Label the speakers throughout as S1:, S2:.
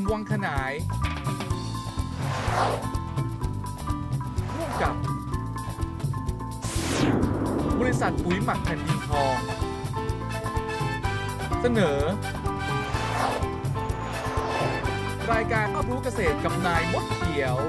S1: วังขนายร่วมกับบริษัทปุ๋ยหมักแผ่นดินทองเสนอรายการรอบรู้เกษตรกับนายมดเขียว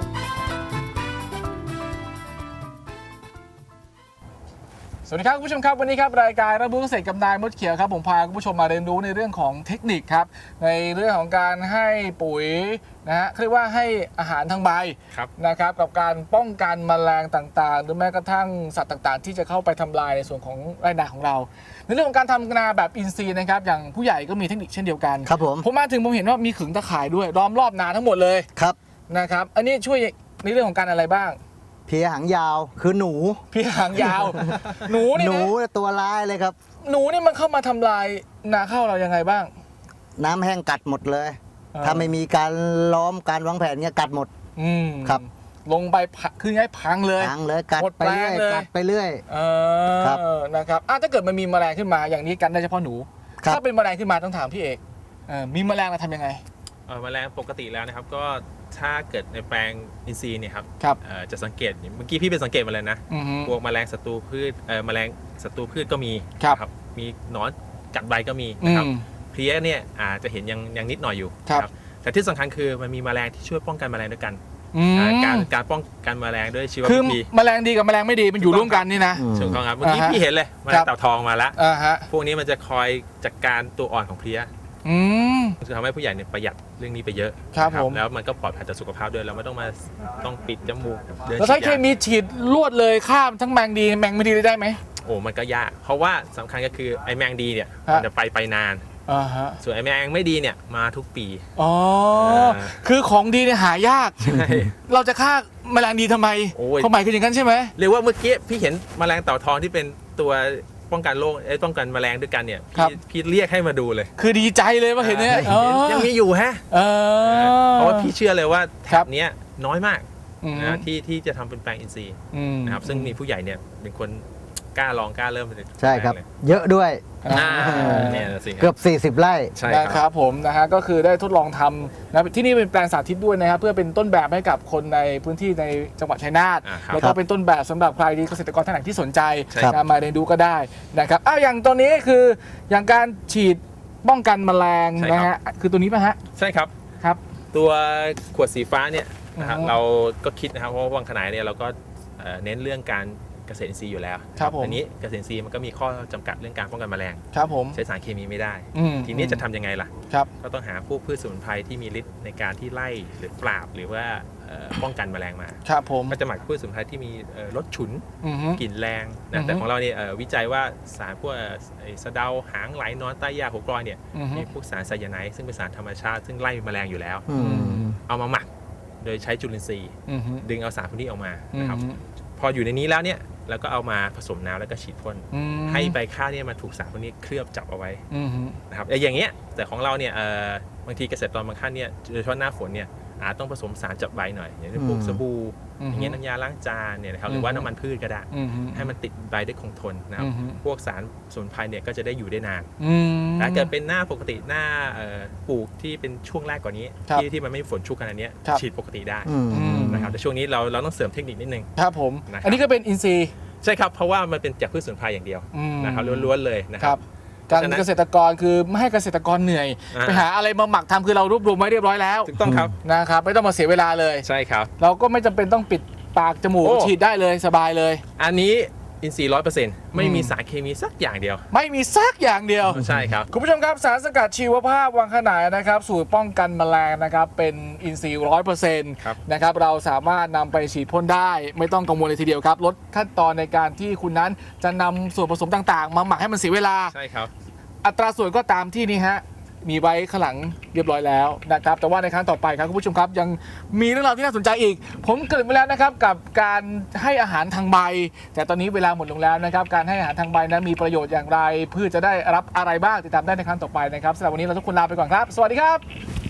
S1: สวัสดีครับคุณผู้ชมครับวันนี้ครับรายการรับรู้เกษตรกับนายมดเขียวครับผมพาคุณผู้ชมมาเรียนรู้ในเรื่องของเทคนิคครับในเรื่องของการให้ปุ๋ยนะฮะเรียกว่าให้อาหารทางใบนะครับกับการป้องกันแมลงต่างๆหรือแม้กระทั่งสัตว์ต่างๆที่จะเข้าไปทำลายในส่วนของไร่นาของเราในเรื่องของการทำนาแบบอินทรีย์นะครับอย่างผู้ใหญ่ก็มีเทคนิคเช่นเดียวกัน
S2: ครับผม
S1: มาถึงผมเห็นว่ามีขึงตะข่ายด้วยล้อมรอบนาทั้งหมดเลย
S2: ครับ
S1: นะครับอันนี้ช่วยในเรื่องของการอะไรบ้าง
S2: เพียหางยาวคือหนู
S1: เพียหางยาว หนูนี่
S2: ตัวร้ายเลยครับ
S1: หนูนี่มันเข้ามาทำลายนาข้าวเรายังไงบ้าง
S2: น้ำแห้งกัดหมดเลยถ้าไม่มีการล้อมการวางแผนเนี่ยกัดหมดครับ
S1: ลงไปคือให้พังเลย
S2: กัดไปเรื่อยกัดไปเรื่อย
S1: ครับนะครับถ้าเกิดมันมีแมลงขึ้นมาอย่างนี้กันได้เฉพาะหนูถ้าเป็นแมลงขึ้นมาต้องถามพี่เอกมีแมลงเราทำยังไง
S3: แมลงปกติแล้วนะครับก็ถ้าเกิดในแปลงอินทรีย์เนี่ยครับจะสังเกตเมื่อกี้พี่เป็นสังเกตมาเลยนะพวกแมลงศัตรูพืชแมลงศัตรูพืชก็มีครับมีหนอนกัดใบก็มีนะครับเพลี้ยเนี่ยอาจจะเห็นยังนิดหน่อยอยู่ครับแต่ที่สำคัญคือมันมีแมลงที่ช่วยป้องกันแมลงด้วยกันการป้องกันแมลงด้วยชีววิธี
S1: คือแมลงดีกับแมลงไม่ดีมันอยู่ร่วมกันนี่นะ
S3: ถูกต้องครับเมื่อกี้พี่เห็นเลยแมลงเต่าทองมาแล้วพวกนี้มันจะคอยจัดการตัวอ่อนของเพลี้ยจะทำให้ผู้ใหญ่เนี่ยประหยัดเรื่องนี้ไปเยอะ
S1: ครับผม
S3: แล้วมันก็ปลอดภัยต่อสุขภาพด้วยเราไม่ต้องปิดจมูก
S1: แล้วถ้าเคมีฉีดลวดเลยข้ามทั้งแมงดีแมงไม่ดีได้ไหม
S3: โอ้มันก็ยากเพราะว่าสำคัญก็คือไอ้แมงดีเนี่ยมันจะไปนานส่วนไอ้แมงไม่ดีเนี่ยมาทุกปี
S1: คือของดีเนี่ยหายากเราจะฆ่าแมลงดีทำไมความหมายคืออย่างนั้นใช่ไหม
S3: เรียกว่าเมื่อกี้พี่เห็นแมลงเต่าทองที่เป็นตัวป้องกันโรคป้องกันแมลงด้วยกันเนี่ยพี่เรียกให้มาดูเลย
S1: คือดีใจเลยว่าเห็นเนี่ย
S3: ยังมีอยู่ฮะเพราะว่าพี่เชื่อเลยว่าแถบนี้น้อยมากนะที่จะทำเป็นแปลงอินทรีย์นะครับซึ่งมีผู้ใหญ่เนี่ยเป็นคนกล้าลองกล้าเริ่ม
S2: ใช่ครับเยอะด้วยเกือบ40 ไร่
S1: นะครับผมนะฮะก็คือได้ทดลองทำนะที่นี่เป็นแปลงสาธิตด้วยนะครับเพื่อเป็นต้นแบบให้กับคนในพื้นที่ในจังหวัดชัยนาทแล้วก็เป็นต้นแบบสำหรับใครที่เกษตรกรท่านไหนที่สนใจมาเรียนรู้ก็ได้นะครับอย่างตัวนี้คืออย่างการฉีดป้องกันแมลงนะฮะคือตัวนี้ป่ะฮะ
S3: ใช่ครับตัวขวดสีฟ้าเนี่ยนะครับเราก็คิดนะครับเพราะว่าวังขนายเนี่ยเราก็เน้นเรื่องการเกษตรอินทรีย์อยู่แล้วอันนี้เกษตรอินทรีย์มันก็มีข้อจำกัดเรื่องการป้องกันแมลงใช้สารเคมีไม่ได้ทีนี้จะทำยังไงล่ะก็ต้องหาพวกพืชสมุนไพรที่มีฤทธิ์ในการที่ไล่หรือปราบหรือว่าป้องกันแมลงมาก็จะหมักพืชสมุนไพรที่มีรสฉุนกลิ่นแรงนะแต่ของเราเนี่ยวิจัยว่าสารพวกสะเดาหางไหลนอนใต้ยาหัวกรอยเนี่ยมีพวกสารไซยาไนด์ซึ่งเป็นสารธรรมชาติซึ่งไล่แมลงอยู่แล้วเอามาหมักโดยใช้จุลินทรีย์ดึงเอาสารพวกนี้ออกมานะครับพออยู่ในนี้แล้วเนี่ยแล้วก็เอามาผสมน้ำแล้วก็ฉีดพ่นให้ใบข้าวเนี่ยมาถูกสารพวกนี้เคลือบจับเอาไว้นะครับอย่างเงี้ยแต่ของเราเนี่ยบางทีเกษตรกรบางท่านเนี่ยโดยเฉพาะหน้าฝนเนี่ยอาจต้องผสมสารจับใบหน่อยอย่างเช่นพวกสบู่อย่างเงี้ยน้ำยาล้างจานเนี่ยนะครับหรือว่าน้ำมันพืชก็ได้ให้มันติดใบได้คงทนนะครับพวกสารสมุนไพรเนี่ยก็จะได้อยู่ได้นานถ้าเกิดเป็นหน้าปกติหน้าปลูกที่เป็นช่วงแรกกว่านี้ที่มันไม่ฝนชุกขนาดนี้ฉีดปกติได้นะครับแต่ช่วงนี้เราต้องเสริมเทคนิคนิดนึง
S1: ครับผมอันนี้ก็เป็นอินทรีย์
S3: ใช่ครับเพราะว่ามันเป็นจากพืชสมุนไพรอย่างเดียวนะครับล้วนๆเลยนะครับ
S1: การเกษตรกรคือไม่ให้เกษตรกรเหนื่อยไปหาอะไรมาหมักทำคือเรารวบรวมไว้เรียบร้อยแล้ว
S3: ถูกต้องครับ
S1: นะครับไม่ต้องมาเสียเวลาเลย
S3: ใช่ครับ
S1: เราก็ไม่จำเป็นต้องปิดปากจมูกฉีดได้เลยสบายเลย
S3: อันนี้อินทรีย์ 100% ไม่มีสารเคมีสักอย่างเดียว
S1: ไม่มีสักอย่างเดียว
S3: ใช่ครับ
S1: คุณผู้ชมครับสารสกัดชีวภาพวังขนายนะครับสูตรป้องกันแมลงนะครับเป็นอินทรีย์ 100% นะครับเราสามารถนำไปฉีดพ่นได้ไม่ต้องกังวลเลยทีเดียวครับลดขั้นตอนในการที่คุณนั้นจะนำส่วนผสมต่างๆมาหมักให้มันเสียเวลา
S3: ใช่ครับ
S1: อัตราส่วนก็ตามที่นี่ฮะมีไว้ข้างหลังเรียบร้อยแล้วนะครับแต่ว่าในครั้งต่อไปครับคุณผู้ชมครับยังมีเรื่องราวที่น่าสนใจอีกผมเกริ่นไปแล้วนะครับกับการให้อาหารทางใบแต่ตอนนี้เวลาหมดลงแล้วนะครับการให้อาหารทางใบนั้นมีประโยชน์อย่างไรพืชจะได้รับอะไรบ้างติดตามได้ในครั้งต่อไปนะครับสำหรับวันนี้เราทุกคนลาไปก่อนครับสวัสดีครับ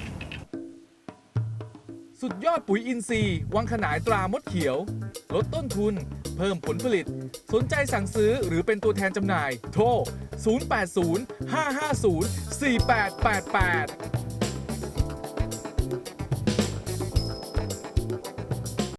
S1: สุดยอดปุ๋ยอินทรีย์วังขนายตรามดเขียวลดต้นทุนเพิ่มผลผลิตสนใจสั่งซื้อหรือเป็นตัวแทนจำหน่ายโทร 080 550 4888